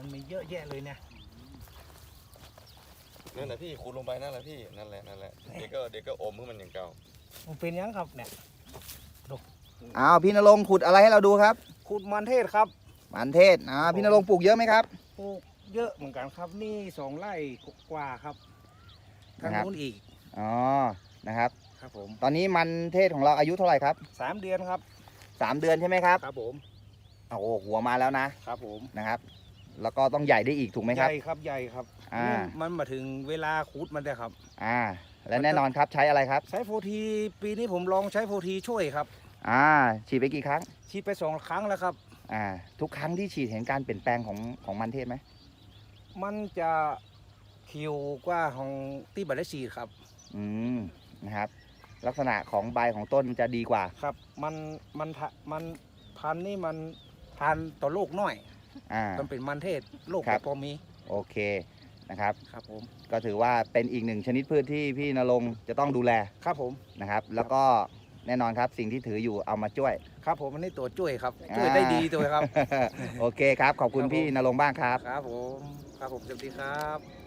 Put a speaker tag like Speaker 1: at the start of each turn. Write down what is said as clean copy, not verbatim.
Speaker 1: มันมีเยอะแยะเลยเนี่ย
Speaker 2: นั่นแหละพี่ขุดลงไปนั่นแหละพี่นั่นแหละเดี๋ยวก็อมให้มันอย่างเก่า
Speaker 1: มันเป็นยังครับเนี่ย
Speaker 3: อ้าวพี่ณรงค์ขุดอะไรให้เราดูครับ
Speaker 1: ขุดมันเทศครับ
Speaker 3: มันเทศพี่ณรงค์ปลูกเยอะไหมครับ
Speaker 1: ปลูกเยอะเหมือนกันครับนี่2 ไร่กว่าครับทาง
Speaker 3: นะครับ
Speaker 1: นู้นอีก
Speaker 3: อ๋อนะครับ
Speaker 1: ครับผม
Speaker 3: ตอนนี้มันเทศของเราอายุเท่าไหร่ครับ
Speaker 1: 3 เดือนครับ
Speaker 3: 3 เดือนใช่ไหมครับ
Speaker 1: ครับผม
Speaker 3: โอ้โหหัวมาแล้วนะครับ
Speaker 1: ผม
Speaker 3: นะครับ แล้วก็ต้องใหญ่ได้อีกถูกไหม
Speaker 1: ให
Speaker 3: ครับ
Speaker 1: ญ่ครับใหญ่ครับ
Speaker 3: อ่า
Speaker 1: นี่มันมาถึงเวลาขุดมันได้ครับ
Speaker 3: และแน่นอนครับใช้อะไรครับ
Speaker 1: ใช้โฟทีปีนี้ผมลองใช้โฟทีช่วยครับ
Speaker 3: ฉีดไปกี่ครั้ง
Speaker 1: ฉีดไป2 ครั้งแล้วครับ
Speaker 3: ทุกครั้งที่ฉีดเห็นการเปลี่ยนแปลงของมันเทศไหม
Speaker 1: มันจะคิวกว่าของที่บัตรฉีดครับ
Speaker 3: นะครับ ลักษณะของใบของต้นมันจะดีกว่า
Speaker 1: ครับมันพันธุ์นี่มันพันธุ์ต่อโรคน้อย มันเป็นมันเทศโรค
Speaker 3: ครั
Speaker 1: แบบ บพอมี
Speaker 3: โอเคนะครับ
Speaker 1: ครับผม
Speaker 3: ก็ถือว่าเป็นอีกหนึ่งชนิดพืชที่พี่ณรงค์จะต้องดูแล
Speaker 1: ครับผม
Speaker 3: นะครับ แล้วก็แน่นอนครับสิ่งที่ถืออยู่เอามาช่วย
Speaker 1: ครับผมอันนี้ตัวช่วยครับช่วยได้ดีตัวครับ
Speaker 3: โอเคครับ ขอบคุณ
Speaker 1: ครับผม
Speaker 3: พี่ณรงค์บ้างครับ
Speaker 1: ครับผมสวัสดีครับ